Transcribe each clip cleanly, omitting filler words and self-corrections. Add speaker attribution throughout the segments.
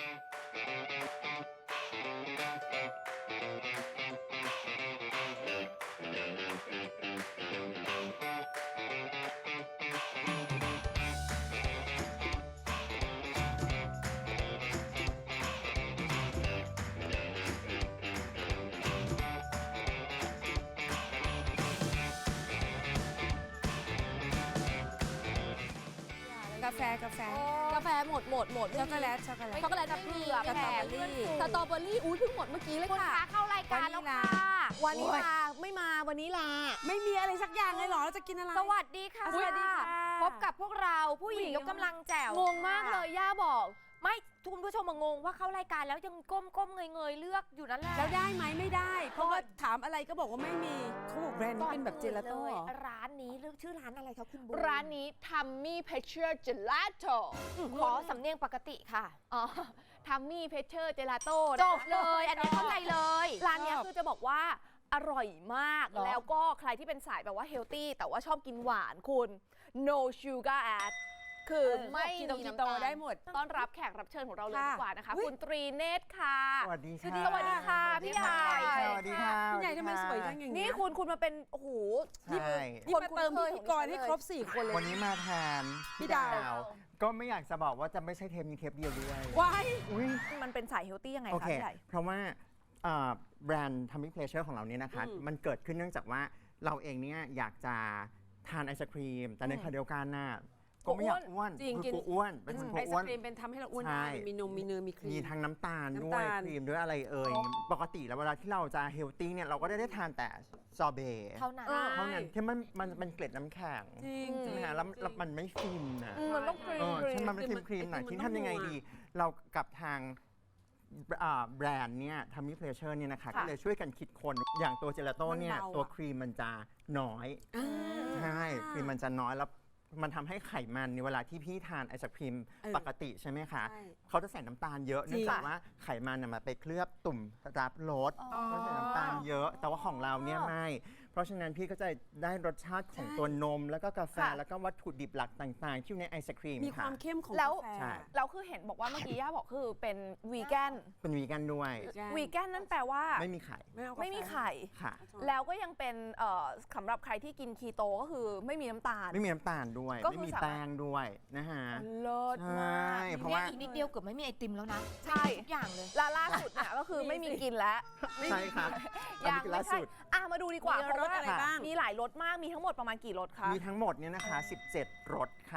Speaker 1: กาแฟกาแฟ
Speaker 2: กาแฟหมด
Speaker 1: ช็อกโกแลตช็อกโกแลต
Speaker 2: ช็อกโกแลตน้ำเผือก
Speaker 1: สตรอเบอรี่
Speaker 2: สตรอเบอรี่อุ้ยเพิ่งหมดเมื่อกี้เลย
Speaker 3: คุณ
Speaker 2: ค่ะ
Speaker 3: คะเข้ารายการแล้วค่ะ
Speaker 2: วานิลาไม่มาวันนี้ลา
Speaker 1: ไม่มีอะไรสักอย่างเลยเหรอเราจะกินอะไร
Speaker 3: สวัสดีค่ะ
Speaker 1: สวัสดีค่ะ
Speaker 3: พบกับพวกเราผู้หญิงยกกำลังแจ๋ว
Speaker 2: งงมากเลยย่าบอก
Speaker 3: ไม่คุณผู้ชมมางงว่าเข้ารายการแล้วยังก้มเงยเลือกอยู่นั่นแหละ
Speaker 1: แล้วได้ไหมไม่ได้ เพราะว่าถามอะไรก็บอกว่าไม่มีเขาบอกแบรนด์นี้เป็นแบบเจลาโต้เหรอ
Speaker 3: ร้านนี้เลือกชื่อร้านอะไรคะคุณบุ๊
Speaker 2: ร้านนี้ทัมมี่เพเชอร์เจลาโต้
Speaker 3: ขอสำเนียงปกติค่ะ
Speaker 2: อ๋อทัมมี่เพเชอร์เจลาโต้
Speaker 3: จบเลย อันนี้เข้าใจเลย
Speaker 2: ร้านเนี้ยคือจะบอกว่าอร่อยมาก
Speaker 1: เหรอ
Speaker 2: แล้วก็ใครที่เป็นสายแบบว่าเฮลตี้แต่ว่าชอบกินหวานคุณ no sugar add คือไม่
Speaker 1: คีโต
Speaker 2: มี
Speaker 1: คี
Speaker 2: น้ำ
Speaker 1: โต
Speaker 2: ตาล
Speaker 1: ได้หมด
Speaker 2: ต้อนรับแขกรับเชิญของเราเลย
Speaker 1: ค่ะ
Speaker 2: ดีกว่านะคะ
Speaker 1: อุ๊ย
Speaker 2: คุณตรีเนตรค่ะ
Speaker 4: สวัสดีค่ะ
Speaker 2: สวัสดีค่ะพี่ใหญ่
Speaker 4: สวัสดีค่ะ
Speaker 1: พี่ใหญ่ทำไมสวยจังอย่าง
Speaker 2: นี่
Speaker 1: นี้
Speaker 2: คุณมาเป็นโอ้โห
Speaker 4: ใช่
Speaker 1: นี่มาเติมพิธีกรให้ครบ 4 คนเลย
Speaker 4: วันนี้มาแทน
Speaker 1: พี่ดาว
Speaker 4: ก็ไม่อยากจะบอกว่าจะไม่ใช่เทปนี้เทปเดียวด้วย
Speaker 1: ว้าย
Speaker 4: อุ้ย
Speaker 2: มันเป็นสายเฮลตี้ยังไง
Speaker 4: โอ
Speaker 2: คะ
Speaker 4: เค
Speaker 2: พี่ใหญ่
Speaker 4: เพราะว่าแบรนด์ Tummy Pleasure ของเราเนี่ยนะคะ มันเกิดขึ้นเนื่องจากว่าเราเองเนี่ยอยากจะทานไอศครีม แต่ในขณะเดียวกันน่ะก็ไม่อยากอ้วน
Speaker 1: จริง
Speaker 4: คื
Speaker 1: กิน
Speaker 4: อกลัวอ้วนเป็นคน
Speaker 1: ไอก
Speaker 4: ลัว
Speaker 1: ศ
Speaker 4: อ้วน
Speaker 1: ครีมเป็นทำให้เราอ้วน
Speaker 4: ใช่
Speaker 1: ได้มีนมมีเนยมีครี
Speaker 4: มี
Speaker 1: ม
Speaker 4: ทั้งน้ำตาลด้ว
Speaker 1: น้ำ
Speaker 4: ย
Speaker 1: ตาล
Speaker 4: ครีมด้วยอะไรเอ่ยปกติแล้วเวลาที่เราจะเฮลตี้เนี่ยเราก็ได้ทานแต่ซอเบต์
Speaker 3: เท่านั้น
Speaker 4: เท่านั้นที่มันเกล็ดน้ำแข็ง
Speaker 1: จริง
Speaker 4: ใช่ไหมฮะแล้วมันไม่ฟินนะ
Speaker 2: มันต้องครีม
Speaker 4: ใช่มันเป็นครีมๆหน่อย
Speaker 1: ไอติม
Speaker 4: ที่
Speaker 1: มันต้อง
Speaker 4: ทำยังไง
Speaker 1: นัว
Speaker 4: ดี เรากับทางแบรนด์เนี่ยทำมิเพลเชอร์เนี่ยนะคะ
Speaker 2: ค่ะ
Speaker 4: ก็เลยช่วยกันคิดคนอย่างตัวเจลาโต้เนี่ยตัวครีมมันจะน้อย ใช่ ครีมมันจะน้อยแล้วมันทำให้ไขมันในเวลาที่พี่ทานไอศครีมปกติใช่ไหมคะ
Speaker 1: ใช่
Speaker 4: เขาจะใส่น้ำตาลเยอะเนื่องจากว่าไขมันน่ะมันไปเคลือบตุ่มรับรสก็ใส่น้ำตาลเยอะ แต่ว่าของเราเนี่ยไม่ เพราะฉะนั้นพี่ก็จะได้รสชาติของตัวนม แล้วก็กาแฟ
Speaker 2: ค่ะ
Speaker 4: แล้วก็วัตถุดิบหลักต่างๆ ที่อยู่ในไอศครีม
Speaker 1: มีค
Speaker 4: ค่ะ
Speaker 1: วามเข้มของ
Speaker 2: แล้ว
Speaker 1: กาแฟ
Speaker 4: ใช่
Speaker 2: เราคือเห็นบอกว่าเมื่อกี้ย่าบอกคือเป็นวีแกน
Speaker 4: เป็นวีแกนด้วย
Speaker 2: วีแกนนั่นแปลว่า
Speaker 4: ไม่มีไข่
Speaker 2: ไม่มีไข่
Speaker 4: ค่ะ
Speaker 2: แล้วก็ยังเป็นสำหรับใครที่กินคีโตก็คือไม่มีน้ำตาล
Speaker 4: ไม่มีน้ำตาลด้วย
Speaker 2: ก็คือ
Speaker 4: ไม่มี
Speaker 2: สามารถ
Speaker 4: แป้งด้วยนะฮะ
Speaker 2: เลิศ
Speaker 4: ใช
Speaker 2: มา
Speaker 4: ่
Speaker 2: ก
Speaker 4: เพราะ
Speaker 3: เนี่ย
Speaker 4: ว่า
Speaker 3: อีกนิดเดียวเกือบไม่มีไอติมแล้วนะ
Speaker 2: ใช่
Speaker 3: ทุกอย่างเลย
Speaker 2: ล่าสุดเนี่ยก็คือไม่มีกินแล้ว
Speaker 4: ใช่ครับอัน
Speaker 2: ยั
Speaker 4: นี้คือ
Speaker 2: ไม่
Speaker 4: ล่า
Speaker 2: ใช่
Speaker 4: สุด
Speaker 2: มาดูดีกว่า
Speaker 1: มี
Speaker 2: เพราะ
Speaker 1: รส
Speaker 2: ว่า
Speaker 1: อะไรบ้าง
Speaker 2: มีหลายรสมากมีทั้งหมดประมาณกี่รสคะ
Speaker 4: มีทั้งหมดเนี่ยนะคะ 17 รสค่ะ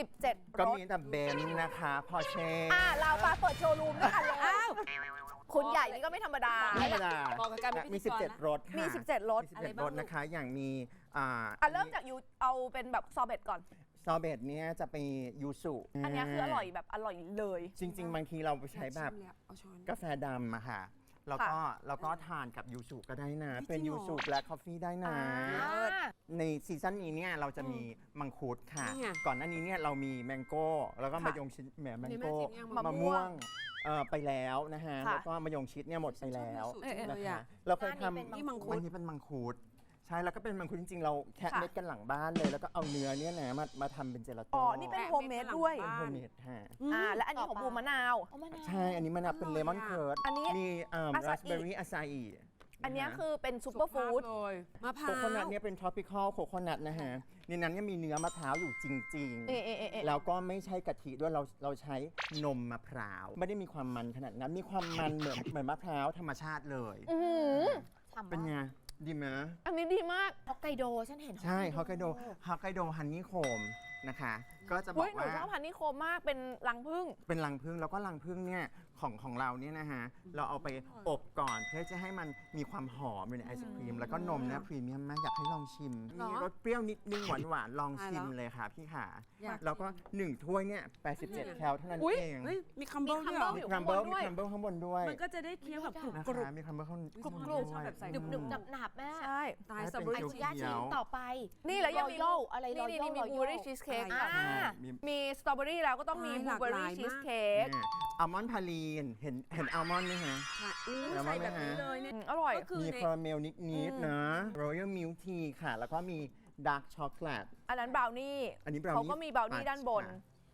Speaker 2: 17
Speaker 4: ก็
Speaker 2: รส
Speaker 4: มีแต่เบนซ์นะคะพอเช่
Speaker 2: เรามาเปิดโชว์รูมด้วยกันเลยคุณใหญ่นี่ก็ไม่ธรรมดา
Speaker 4: ธรรมดา
Speaker 1: บอกกับการเป็น
Speaker 4: มี
Speaker 1: พิธีกรนะ
Speaker 4: 17 รสค่ะ
Speaker 2: มี17รส
Speaker 4: มี
Speaker 1: อะไร
Speaker 4: 17
Speaker 1: บ้าง
Speaker 4: รสนะคะ อย่างมี
Speaker 2: เริ่มจากยูเอาเป็นแบบซอเบตก่อน
Speaker 4: ซอเบตเนี่ยจะเป็นยูสุ
Speaker 2: อันเนี้ยคืออร่อยแบบอร่อยเลย
Speaker 4: จริง ๆ บางทีเราไปใช้แบบ
Speaker 1: ชิมแล้วเอาช้อน
Speaker 4: กาแฟดำอะค่ะ แล้วก็ทานกับยูสุก็ได้นะ
Speaker 1: จริงเหรอ
Speaker 4: เป็นยูสุและคอฟฟี่ได้นะ ในซีซั่นนี้เนี่ยเราจะมีมังคุดค่ะ
Speaker 1: นี่ไง
Speaker 4: ก่อนหน้านี้เนี่ยเรามีแมงโก้ แล้วก็
Speaker 2: ค่ะ
Speaker 4: มะยงชิดแหมแมงโก้
Speaker 1: นี่แม่ชิมยัง
Speaker 4: มะม่วงไปแล้วนะฮะ
Speaker 2: ค่ะ
Speaker 4: แล้วก็มะยงชิดเนี่ยหมดไปแล้ว
Speaker 1: ชอบยูสุจังเลย
Speaker 4: นะคะ
Speaker 1: อะ
Speaker 4: เราเคย
Speaker 3: อันนี้เป็น
Speaker 4: ทำ
Speaker 1: นี่มังคุด
Speaker 4: อันนี้เป็นมังคุดใช่แล้วก็เป็นมังคุดจริงๆ เราแคะ
Speaker 2: ค่ะ
Speaker 4: เม็ดกันหลังบ้านเลย แล้วก็เอาเนื้อเนี่ยนะมาทำเป็นเจลาโต้
Speaker 2: อ๋อ นี่เป็นโฮมเมดด้วย
Speaker 4: เป็นโฮมเมดฮะ
Speaker 2: และอันนี้ของบูมมะนาว
Speaker 3: เอามะนาว
Speaker 4: ใช่อันนี้มันเป็นเลมอนเคิร์ด
Speaker 2: อันนี้
Speaker 4: มี
Speaker 2: อาซา
Speaker 4: รา
Speaker 2: อิ
Speaker 4: สเบอร์รี่อาซาอิ
Speaker 2: อันเนี้ยคือเป็นซูเปอร์ฟู้ด
Speaker 1: สุขภาพเลยมะพร้า
Speaker 4: โคว โคนัทเนี่ยเป็น tropical โคโคนัทนะฮะในนั้นเนี่ยมีเนื้อมะพร้าวอยู่จริง
Speaker 2: เอะเอะเอะเอะ
Speaker 4: แล้วก็ไม่ใช่กะทิด้วยเราใช้นมมะพร้าว ไม่ได้มีความมันขนาดนั้น มีความมันเหมือนมะพร้าวธรรมชาติเลย
Speaker 3: ฉ่ำ
Speaker 4: เป็น
Speaker 3: มาก
Speaker 4: ไง ดีไหม
Speaker 2: อันนี้ดีมาก
Speaker 3: ฮอกไกโดฉันเห็น
Speaker 4: ใช่ฮอกไกโดฮันนี่โคมนะคะ ก็จะบ
Speaker 2: เฮ้
Speaker 4: อย ก
Speaker 2: หนู
Speaker 4: ว่า
Speaker 2: ชอบพันธุ์นิโคมมากเป็นรังผึ้ง
Speaker 4: เป็นรังผึ้งแล้วก็รังผึ้งเนี่ยของเราเนี่ยนะฮะ เราเอาไปอบก่อนเพื่อจะให้มันมีความหอมอยู่ในไอศครีม แล้วก็นมเนี่ยพรีเมียมมากอยากให้ลองชิม มีรสเปรี้ยวนิดนึงหวานๆลองชิมเลยค่ะพี่ขา
Speaker 1: อยาก
Speaker 4: แล้วก็ 1 ถ้วยเนี่ย 87 แคลเท่านั้น
Speaker 2: อุ๊ย
Speaker 4: เอง
Speaker 1: เฮ้ยมีคัมเบิลด้วยเหรอ
Speaker 2: มี
Speaker 4: มี
Speaker 2: คั
Speaker 4: คั
Speaker 2: ม
Speaker 4: ม
Speaker 2: เบิ
Speaker 4: เบิ
Speaker 2: ล
Speaker 4: ล
Speaker 2: ด้วย
Speaker 4: มีคัมเบิลข้างบนด้วย
Speaker 1: มันก็จะได้เคี้ยวแบบกรุบ
Speaker 4: นะ
Speaker 1: กรุบ
Speaker 4: คะมีคัมเบิลข้าง
Speaker 1: กรุบ
Speaker 4: บน
Speaker 1: กรุบ
Speaker 4: ด้วย
Speaker 1: ชอบแบบใส่
Speaker 3: หนึบหนึบหนับหนับๆแม่
Speaker 2: ใช่
Speaker 1: ตาย
Speaker 4: ให้
Speaker 1: สตรอ
Speaker 4: เป็
Speaker 1: เบอน ร์
Speaker 3: ไอ้
Speaker 1: รี่
Speaker 3: คุณย่าชิมต่อไป
Speaker 2: นี่แล้วยังมี
Speaker 3: Royal อะไร
Speaker 2: นี่
Speaker 3: Royal
Speaker 2: มีบลูเบอร์รี่ชีสเค้ก
Speaker 1: อะไร
Speaker 2: มีสตรอเบอรี่แล้วก็ต้องมีบลูเบอร์รี่ชีสเค้ก
Speaker 4: อัลมอนด์พาลีนเห็นอัลมอนด์ไหมฮะ
Speaker 1: ค่ะอู้
Speaker 4: แล้ว
Speaker 1: ใส่
Speaker 4: ว่า
Speaker 1: แบบนี้เลยเนี่ย
Speaker 2: อร่อย
Speaker 1: ก็คือ
Speaker 4: มี
Speaker 1: ใน
Speaker 4: คาราเมลนิดๆนะ Royal Milk Tea ค่ะ แล้วก็มีดาร์กช็อกโกแลต
Speaker 2: อันนั้นบราวนี่
Speaker 4: อันนี้ brownie
Speaker 2: เขาก็มีบราวนี่
Speaker 4: fudge
Speaker 2: ด้านบน
Speaker 4: ค่ะ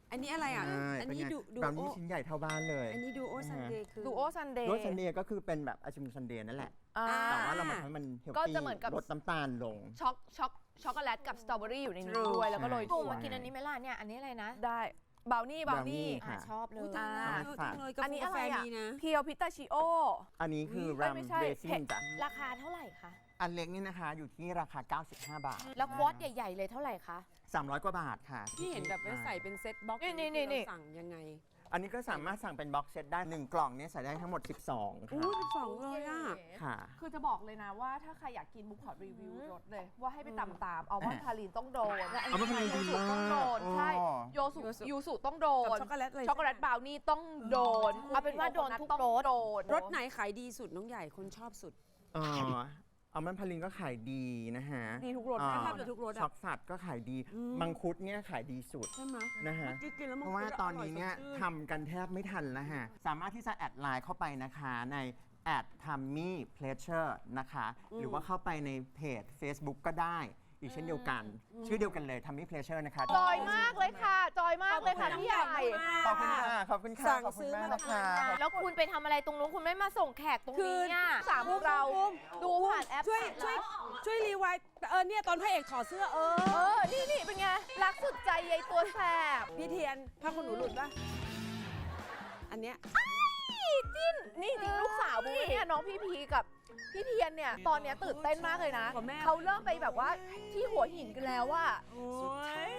Speaker 1: อันนี้อะไรอ่ะ อันนี้ดู
Speaker 4: บราวนี่ชิ้นใหญ่เท่าบ้านเลย
Speaker 1: อันนี้ดูโอซันเดย์คือ
Speaker 2: ดูโอซันเดย์
Speaker 4: รสซันเดย์ก็คือเป็นแบบไอศครีมซันเดย์นั่นแหละ แต่ว่าเรามาทำให้มันเฮล
Speaker 2: ก็
Speaker 4: ตี้
Speaker 2: จะเหมือนกับ
Speaker 4: ลดน้ำตาลลง
Speaker 2: ช็อกโกแลตกับสตรอเบอรี่อยู่ในนี้
Speaker 1: True
Speaker 2: ด้วยแล้วก็โรย
Speaker 3: โอ้
Speaker 2: ถั่ว
Speaker 3: มากินอันนี้ไหมล่ะเนี่ย อันนี้อะไรนะ
Speaker 2: ได้บราวนี่บราวนี่
Speaker 4: ค่ะ
Speaker 3: ชอบเลย
Speaker 1: อุ๊ยตายแล้วเยอะจังเลยกา
Speaker 2: อัน
Speaker 1: แฟ
Speaker 2: นี้
Speaker 1: กา
Speaker 2: อะไร
Speaker 1: แฟ
Speaker 2: อ่ะ
Speaker 1: มีนะ
Speaker 2: เพียวพิตาชิโอ
Speaker 4: อันนี้คือ
Speaker 2: เอ้
Speaker 4: รั
Speaker 2: ย
Speaker 4: ม
Speaker 2: ไม่ใช่
Speaker 4: เรซิ่งจ้ะ
Speaker 3: ราคาเท่าไหร่คะ
Speaker 4: อันเล็กนี่นะคะอยู่ที่ราคา 95 บาท
Speaker 3: แล้วควอตใหญ่ ๆ เลยเท่าไหร่คะ
Speaker 4: 300 กว่าบาทค่ะ
Speaker 1: ที่เห็นแบบไว้ใส่เป็นเซ็ตบ็อกซ์
Speaker 2: นี่
Speaker 1: เราสั่งยังไง
Speaker 4: อันนี้ก็สามารถสั่งเป็นบ็อกเซตได้ 1 กล่องเนี่ยใส่ได้ทั้งหมด 12
Speaker 1: อู้
Speaker 4: ค่ะ
Speaker 1: 12เลยอ่ะ
Speaker 4: ค่ะ
Speaker 2: คือจะบอกเลยนะว่าถ้าใครอยากกินบุ๊กขอรีวิวรสเลย ว่าให้ไปตามอัลมอนด์พาลินต้องโดน
Speaker 4: อัลมอนด์พาลินดีมาก
Speaker 2: ต้องโดนใช่
Speaker 4: อ๋อ
Speaker 2: โยสุยูสุต้องโด
Speaker 1: กับ
Speaker 2: น
Speaker 1: ช็อกโกแลตเลย
Speaker 2: ช็อกโกแลตบราวนี่ต้องโดน
Speaker 3: เอาเป็นว่าโดนทุก
Speaker 2: ต้อง
Speaker 3: รส
Speaker 2: โดน
Speaker 1: รสไหนขายดีสุดน้องใหญ่คนชอบสุด
Speaker 4: อัลมอนด์พาลินก็ขายดีนะฮะ
Speaker 2: ดีทุกรส
Speaker 4: อ่า
Speaker 1: แทบจะทุกรสอะ
Speaker 4: ช็อกสัตว์ก็ขายดี มังคุดเนี่ยขายดีสุด
Speaker 1: ใช่ไหม
Speaker 4: นะฮะ
Speaker 1: กินแล้วมัน
Speaker 4: เพราะว่าตอนนี้เนี่ยทำกันแทบไม่ทันแล้วฮะ สามารถที่จะแอดไลน์เข้าไปนะคะในแอดทัมมี่เพลเชอร์นะคะ หรือว่าเข้าไปในเพจ Facebook ก็ได้ อีกเช่นเดียวกัน ชื่อเดียวกันเลยทัมมี่เพลเชอร์นะคะ
Speaker 2: จอยมากเลยค่ะ จอยมากเลยค่ะพี่ใหญ่
Speaker 4: ขอบคุณค่ะ ขอบคุณค่ะ
Speaker 1: สั่ง
Speaker 4: ขอบคุณ
Speaker 1: ซื้อ
Speaker 4: มาก
Speaker 1: มา
Speaker 4: นะคะ
Speaker 3: แล้วคุณไปทำอะไรตรงนู้นคุณไม่มาส่งแขกตรง
Speaker 1: คือ
Speaker 3: นี้อ่ะ
Speaker 2: สามเราดูผ่านแอป
Speaker 1: ช่วยรีไวท์เนี่ยตอนพระเอกถอดเสื้อ
Speaker 2: นี่เป็นไง รักสุดใจยายตัวแสบ
Speaker 1: พี่เทียนผ้าขนหนูหลุดปะอันเนี้ย
Speaker 2: จิ้นนี่จริงลูกสาวบูเนี่ยน้องพี่พีกับพี่เทียนเนี่ยตอนเนี้ยตื่นเต้นมากเลยนะ
Speaker 1: กว่าแม่
Speaker 2: เขาเริ่มไปแบบว่าที่หัวหินกันแล้วว่า
Speaker 1: โอ้ย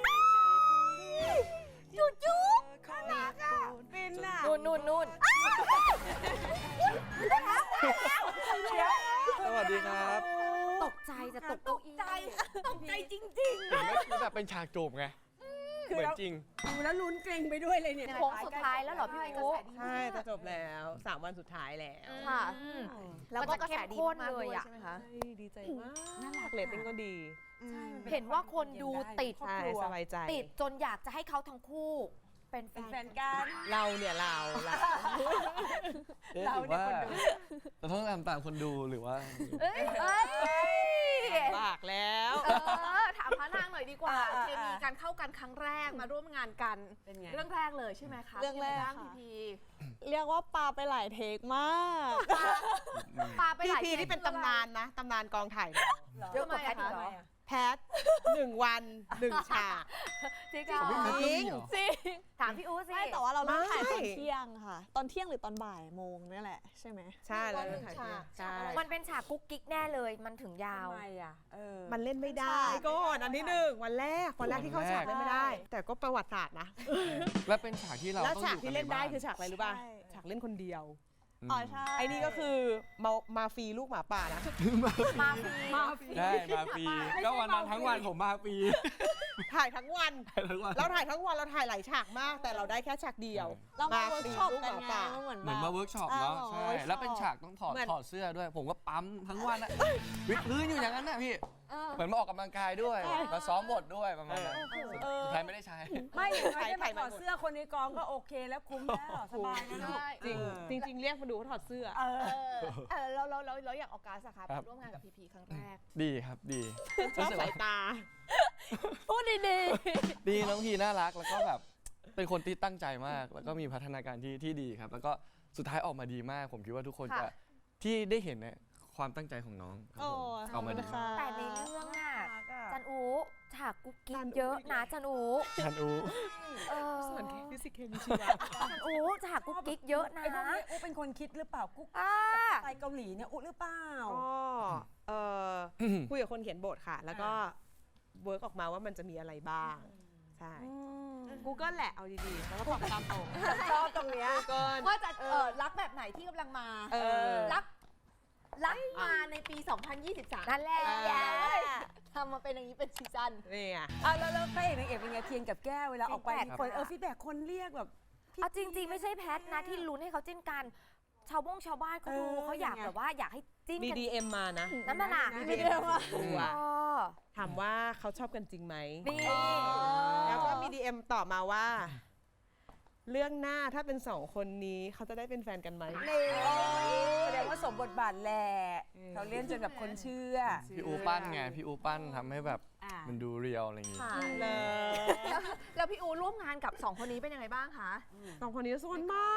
Speaker 2: จูน่ารักอ่ะ
Speaker 1: เป็นอ่ะ
Speaker 3: นู่น
Speaker 5: สวัสดีครับ
Speaker 3: ตกใจจะตกเก้าอี้
Speaker 2: ตกใจจริง
Speaker 5: เห็นไหมคือแบบเป็นฉากจูบไง เหมือนจริง
Speaker 1: ดูแล้วลุ้นเกรงไปด้วยเลยเนี่ย
Speaker 2: โค้งสุดท้ายแล้วเหรอพี่อู๋
Speaker 6: ใช่จะจบแล้ว3 วันสุดท้ายแล้ว
Speaker 2: ค่ะ แล้วก็
Speaker 3: มัน
Speaker 2: ก
Speaker 3: จะ
Speaker 2: ระแส
Speaker 3: เข้ม
Speaker 2: ดี
Speaker 3: ข้น
Speaker 2: มาก
Speaker 3: เลย
Speaker 2: ด้วย
Speaker 3: อะ
Speaker 2: ใช่ไหมคะ
Speaker 6: ดีใจมากเรตติ้งก็ดี
Speaker 3: เห็นว่าคนดูติด
Speaker 6: ใช่สบายใจ
Speaker 3: ติดจนอยากจะให้เขาทั้งคู่ เป็นแฟ
Speaker 1: เป็นแฟ
Speaker 3: น
Speaker 1: นกัน
Speaker 6: เราเนี่ยเรา
Speaker 5: เอ๊ะหรือว่าเราต้องตามคนดูหรือว่า
Speaker 2: เอ้ย
Speaker 6: บากแล้ว
Speaker 2: ถามพระนางหน่อยดีกว่าเคมีการเข้ากันครั้งแรกมาร่วมงานกัน
Speaker 1: เป็นไง
Speaker 2: เรื่องแรกเลยใช่ไหมคะ
Speaker 7: เรื่องแรก
Speaker 2: ป็นไบ้าง
Speaker 7: ค่ะ
Speaker 2: พี
Speaker 7: เรียกว่าปาไปหลายเทคมาก
Speaker 2: ปาไปหลาย
Speaker 6: พี่นี่เป็นตำนานนะตำนานกองถ่าย
Speaker 2: เยอะกว่าแพทย์อีกเหรอ
Speaker 6: แพท1 วัน 1 ฉาก
Speaker 2: จริง
Speaker 6: จริง
Speaker 3: ถามพี่อู๋สิ
Speaker 7: ไม่แต่ว่าเราเริ่มถ่ายตอน
Speaker 6: ไม่
Speaker 7: เที่ยงค่ะ ตอนเที่ยงหรือตอนบ่ายโมงนี่แหละใช่ไหม
Speaker 6: ใช่แล้วถ่ายใช่
Speaker 3: มันเป็นฉากกุ๊กกิ๊กแน่เลย มันถึงยาว
Speaker 1: ทำไมอ่ะ
Speaker 6: มันเล่นไม่ได้ก่อนอันที่1วันแรกที่เข้าฉากเล่นไม่ได้ แต่ก็ประวัติศาสตร์นะ
Speaker 5: และเป็นฉากที่เรา
Speaker 6: แล้ว
Speaker 5: ต้อง
Speaker 6: ฉา
Speaker 5: อก ยู่กั
Speaker 6: ที่
Speaker 5: น
Speaker 6: เล่นได้
Speaker 5: ใบ้า
Speaker 6: คือฉากอะไรรู้ป่ะ
Speaker 7: ใช่
Speaker 6: ฉากเล่นคนเดียว
Speaker 7: อ๋อใช่
Speaker 6: ไอ้นี่ก็คือมาฟรีลูกหมาป่านะ
Speaker 3: มาฟรี
Speaker 5: ได้มาฟรีก็วันนั้นทั้งวันผมมาฟรี
Speaker 6: ถ่ายทั้งวัน
Speaker 5: ทั้งวัน
Speaker 6: เราถ่ายทั้งวันเราถ่ายหลายฉากมาก แต่เราได้แค่ฉากเดียว
Speaker 7: เรามาเวิร์กช็อป
Speaker 6: ลูก
Speaker 7: กั
Speaker 6: ห
Speaker 7: น
Speaker 6: มา
Speaker 7: ไง
Speaker 6: ป่า
Speaker 7: มันเหมือน
Speaker 5: เหมือนมาเวิร์กช็อปเนาะใช่แล้วเป็นฉากต้องถอดเสื้อด้วย ผมก็ปั๊มทั้งวันอะวิดพื้นอยู่อย่างนั้นน่ะพี่เหมือนมาออกกำลังกายด้วยมาซ้อมบทด้วยประมาณนั้นสุดท้ายไม่ได้ใช้
Speaker 1: ไม่อย่างไรได้มาถอดเสื้อคนในกองก็โอเคแล้วคุ้มแล้วสบายนะลูก
Speaker 6: จริงเรียกมาดูเขาถอดเสื้อ
Speaker 2: เราอยากออกการสาขาไปร่วมงานกับพีพีครั้งแรก
Speaker 5: ดีครับดี
Speaker 6: ชอบสายตา
Speaker 2: พูดดี
Speaker 5: ดีน้องพีน่ารักแล้วก็แบบเป็นคนที่ตั้งใจมาก แล้วก็มีพัฒนาการที่ดีครับ แล้วก็สุดท้ายออกมาดีมาก ผมคิดว่าทุกคนจะที่ได้เห็นเนี่ยความตั้งใจของน้องครับ
Speaker 7: โอ้
Speaker 5: ผมออกมาดี
Speaker 7: ค่ะ
Speaker 3: แต่ในเรื่องน่ะจันอูฉากกุ๊กกิ๊กเยอะนะจันอู
Speaker 5: ทันอู
Speaker 3: เออ
Speaker 6: ส่วนฟิสิกส์เคมีชีวะ
Speaker 3: จันอูฉากกุ๊กกิ๊กเยอะนะ
Speaker 1: ไอ้พวกนี้อุ๊เป็นคนคิดหรือเปล่ากุ๊ก
Speaker 3: อ่า
Speaker 1: ไปเกาหลีเนี่ยอุ๊หรือเปล่า
Speaker 6: ก็คุยกับคนเขียนบทค่ะ แล้วก็เวิร์กออกมาว่ามันจะมีอะไรบ้าง ใช่ Google แหละเอาดีๆ แล้วก็ตอบตามตรง
Speaker 2: ชอบตรงเนี้ย
Speaker 6: Google
Speaker 2: ว่าจะรักแบบไหนที่กำลังมา รักมาในปี 2023
Speaker 3: นั่นแหละ
Speaker 2: ทำมาเป็นอย่างนี้เป็นซีซั่น
Speaker 6: นี่ไง
Speaker 1: แล้วพระเอกนางเอกเป็นไงเทียนกับแก้วเวลาออกไป
Speaker 3: feedback
Speaker 1: คนฟีดแบ็กคนเรียกแบบ
Speaker 3: เอาจริง ๆ ไม่ใช่แพทนะที่ลุ้นให้เขาจิ้นกัน ชาวบ้านเขาดูเขาอยากแบบว่าอยากให้จิ้น
Speaker 6: มี
Speaker 3: กัน
Speaker 6: DM มานะ
Speaker 3: นั่นน่ะ
Speaker 6: DM มา
Speaker 3: เออ
Speaker 6: ถามว่าเขาชอบกันจริงไหม
Speaker 3: นี่
Speaker 6: แล้วก็มี DM ตอบมาว่าเรื่องหน้าถ้าเป็น2 คนนี้เขาจะได้เป็นแฟนกันไหม
Speaker 1: แสดงว่าสมบทบาทแหละเขาเล่นจนแบบคนเชื่อ
Speaker 5: พี่อูปั้นไงพี่อูปั้นทำให้แบบ
Speaker 1: อ่า
Speaker 5: มันดูเรียลอะไรอย่างงี้
Speaker 2: ค่ะ
Speaker 6: เลย
Speaker 2: แล้วพี่อูร่วมงานกับ2 คนนี้เป็นยังไงบ้างคะ
Speaker 6: 2 คนนี้โซนมาก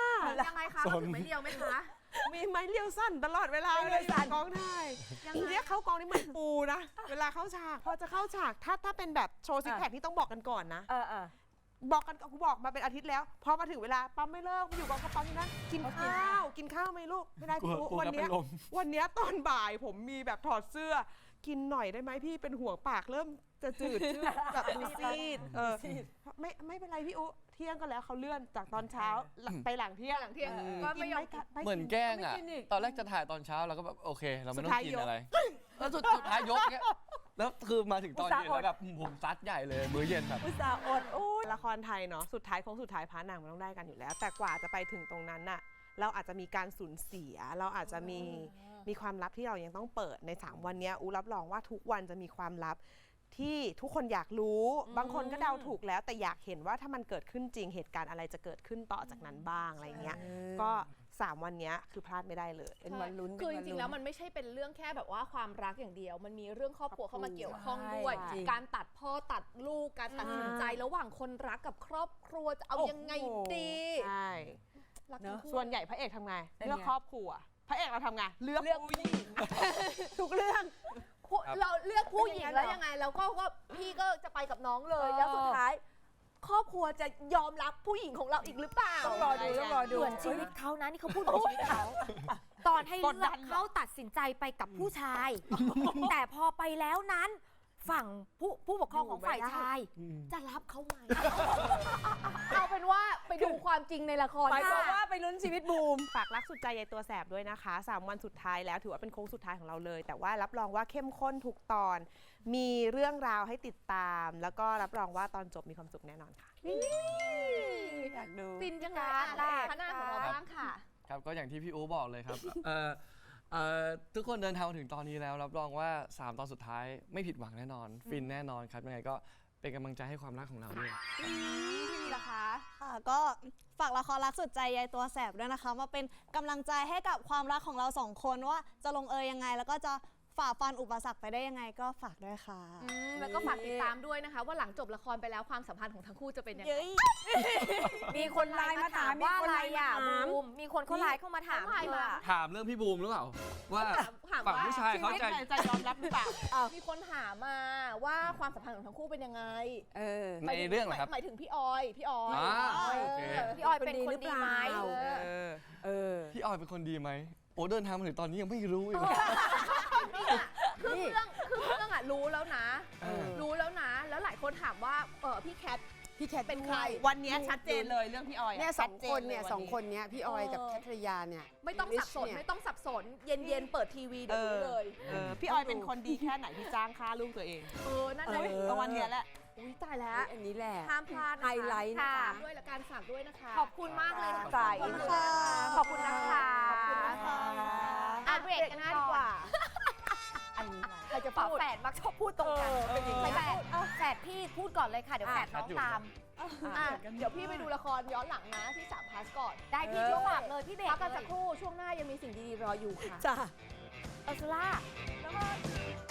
Speaker 2: ยังไงคะเขาถึงไม่เดียวไหมคะ
Speaker 6: มีไม้เลี้ยวสั้นตลอดเวลาเลยอยู่กองถ่ายเรียกเข้ากองนี่เหมือนปูนะ เวลาเข้าฉากพอจะเข้าฉากถ้าเป็นแบบโชว์ซิกแพคนี่ต้องบอกกันก่อนนะ บอกกันกูบอกมาเป็นอาทิตย์แล้วพอมาถึงเวลาปั๊มไม่เลิกมาอยู่กองก็ปั๊มที่นั่นกินข้าวไหมลูกไม่ได้พี่
Speaker 5: กลัว
Speaker 6: วันเนี้ย
Speaker 5: เป็นลม
Speaker 6: วันเนี้ยตอนบ่ายผมมีแบบถอดเสื้อ กินหน่อยได้ไหมพี่เป็นห่วงปากเริ่มจะจืดชืดแบบดูซีดไม่เป็นไรพี่อุเที่ยงก็แล้วเขาเลื่อนจากตอนเช้าไปหลังเที่ยง
Speaker 2: หลังเที่ยงก็ไม่ยอม
Speaker 5: เหมือนแกล้งอ่ะ
Speaker 1: ไม่กินอีก
Speaker 5: ตอนแรกจะถ่ายตอนเช้าเราก็แบบโอเค เราไม่ต้อ
Speaker 6: สุด
Speaker 5: ง
Speaker 6: ท้าย
Speaker 5: กิน
Speaker 6: ยก
Speaker 5: อะไรแล้วสุดท้ายยกเนี้ยแล้วคือมาถึงตอนเย็นแล้วแบบผมซัดใหญ่เลยมื้อเย็นแบบ
Speaker 1: อุตส่าห์อด
Speaker 6: ละครไทยเนาะสุดท้ายของสุดท้ายพาร์ทหนังมันต้องได้กันอยู่แล้ว แต่กว่าจะไปถึงตรงนั้นน่ะเราอาจจะมีการสูญเสีย เราอาจจะมีความลับที่เรายังต้องเปิดใน3 วันเนี้ยอูรับรองว่าทุกวันจะมีความลับที่ทุกคนอยากรู้บางคนก็เดาถูกแล้ว แต่อยากเห็นว่าถ้ามันเกิดขึ้นจริงเหตุการณ์อะไรจะเกิดขึ้นต่อจากนั้นบ้างอะไรเงี้ยก็3 วันเนี้ยคือพลาดไม่ได้เลย
Speaker 1: เป็นวันลุ้น
Speaker 2: คือจริงๆแล้วมันไม่ใช่เป็นเรื่องแค่แบบว่าความรักอย่างเดียว มันมีเรื่องครอบครัวเข้ามาเกี่ยวข้องด้วย
Speaker 1: ใช่จริง
Speaker 2: การตัดพ่อตัดลูกการตัดสินใจระหว่างคนรักกับครอบครัวจะเอายังไงดี
Speaker 6: ใช่
Speaker 2: รักทั้งคู่
Speaker 6: ส่วนใหญ่พระเอกทำไง
Speaker 1: เป็นไง
Speaker 6: เลือกครอบครัวพระเอกเราทำไงเลือกผู้หญิง
Speaker 1: ทุกเรื่อง
Speaker 2: เราเลือกผู้หญิงแล้วยังไงเราก็พี่ก็จะไปกับน้องเลย แล้วสุดท้าย ครอบครัวจะยอมรับผู้หญิงของเราอีกหรือเปล่า
Speaker 1: ต้องรอดู
Speaker 3: เหมือนชีวิตเขานะนี่เขาพูดเหมือนชีวิตเขาตอนให้เลือกเขาตัดสินใจไปกับผู้ชาย แต่พอไปแล้วนั้น ฝั่งผู้ปกครองของฝ่ายชาย จะรับเขาไหม
Speaker 2: เอาเป็นว่าไปดูความจริงในละคร
Speaker 1: หมายความ
Speaker 2: ค่ะ
Speaker 1: ว่าไปลุ้นชีวิตบูม
Speaker 6: ฝากรักสุดใจยายตัวแสบด้วยนะคะ3 วันสุดท้ายแล้วถือว่าเป็นโค้งสุดท้ายของเราเลย แต่ว่ารับรองว่าเข้มข้นทุกตอน มีเรื่องราวให้ติดตาม แล้วก็รับรองว่าตอนจบมีความสุขแน่นอนค่ะ
Speaker 1: อยากดู
Speaker 2: ฟินจังเลย
Speaker 3: ได้
Speaker 2: พนักของเราบ้างค่ะ
Speaker 5: ครับก็อย่างที่พี่อูบอกเลยครับ ทุกคนเดินทางมาถึงตอนนี้แล้วรับรองว่า 3 ตอนสุดท้ายไม่ผิดหวังแน่นอน ฟินแน่นอนครับยังไงก็เป็นกำลังใจให้ความรักของเราด้วย
Speaker 2: พี่มีล่ะคะ
Speaker 7: ค่ะก็ฝากละครรักสุดใจยายตัวแสบด้วยนะคะ มาเป็นกำลังใจให้กับความรักของเรา2 คนว่าจะลงเอยยังไง แล้วก็จะฝ่าฟันอุปสรรคไปได้ยังไงก็ฝากด้วยค่ะ
Speaker 2: แล้วก็ฝากติดตามด้วยนะคะ ว่าหลังจบละครไปแล้วความสัมพันธ์ของทั้งคู่จะเป็นยังไง
Speaker 7: เย้ย
Speaker 3: มีคนไลน์มาถามว่าอะไรอ่ะบูมมีคนเขาไลน์เข้ามาถาม
Speaker 2: เขาไลน์มา
Speaker 5: ถามเรื่องพี่บูมหรือเปล่า ว่า
Speaker 2: ถาม
Speaker 5: ฝั่ง
Speaker 2: ว่า
Speaker 5: ผู้ชายเขาจะ
Speaker 6: จะยอมรับหรือเปล่า
Speaker 2: มีคนถามมาว่าความสัมพันธ์ของทั้งคู่เป็นยังไง
Speaker 5: ในเรื่องเหรอครับ
Speaker 2: หมายถึงพี่ออย
Speaker 5: อ่าโอเค
Speaker 3: พี่ออยเป็นคนดีไหม
Speaker 5: พี่ออยเป็นคนดีไหมโอ้เดินทางมาถึงตอนนี้ยังไม่รู้อีกเลย
Speaker 2: คือเรื่องอะรู้แล้วนะ รู้แล้วนะ แล้วหลายคนถามว่าพี่แคทเป็นใคร
Speaker 6: วันนี้ชัดเจนเลยเรื่องพี่ออย
Speaker 1: เนี่ย
Speaker 6: ชั
Speaker 1: 2
Speaker 6: ดจ
Speaker 1: คนเนี่ย
Speaker 6: ล
Speaker 1: สองคนเนี้ยพี่ออยกับแคทริยาเนี่ย
Speaker 2: ไม่ต้องสับสน ไม่ต้องสับสน เย็นๆ เปิดทีวีเดี๋ยวรู้เลย
Speaker 6: พี่ออยเป็นคนดีแค่ไหนที่จ้างค่าลูกตัวเอง
Speaker 2: นั่นแหละ
Speaker 6: ก็วันเนี้ยแหละ
Speaker 2: อุ้ยตายแล้ว
Speaker 1: อันนี้แหละ
Speaker 2: ห้ามพลาดนะคะ
Speaker 1: ไฮไลท์นะคะ
Speaker 2: ฝากด้วยและการฝากด้วยนะคะ
Speaker 3: ขอบคุณมากเลยค่ะ
Speaker 1: ใส่
Speaker 3: ขอบคุณค่ะขอบคุณนะคะ
Speaker 2: ขอบคุณนะคะ
Speaker 3: อ่ะเบรกกัน
Speaker 2: หน้า
Speaker 3: ดี
Speaker 2: ดี
Speaker 3: ก
Speaker 2: ก
Speaker 3: ว่า
Speaker 2: ว่า
Speaker 3: อันนี้ใครจะฝาแฝดมักชอบพูดตรงกันแฝดพี่พูดก่อนเลยค่ะ เดี๋ยวแฝดน้องตาม
Speaker 2: เดี๋ยวพี่ไปดูละครย้อนหลังนะที่3 พาสก่อน
Speaker 3: ได้พี่ช่วงฝากเลยพี่เบรก
Speaker 2: พักกัน
Speaker 3: เล
Speaker 2: สัก
Speaker 3: ย
Speaker 2: ครู่ช่วงหน้ายังมีสิ่งดีๆรออยู่ค่ะ
Speaker 1: จ้า
Speaker 3: เออซูล่า
Speaker 2: แล้วก็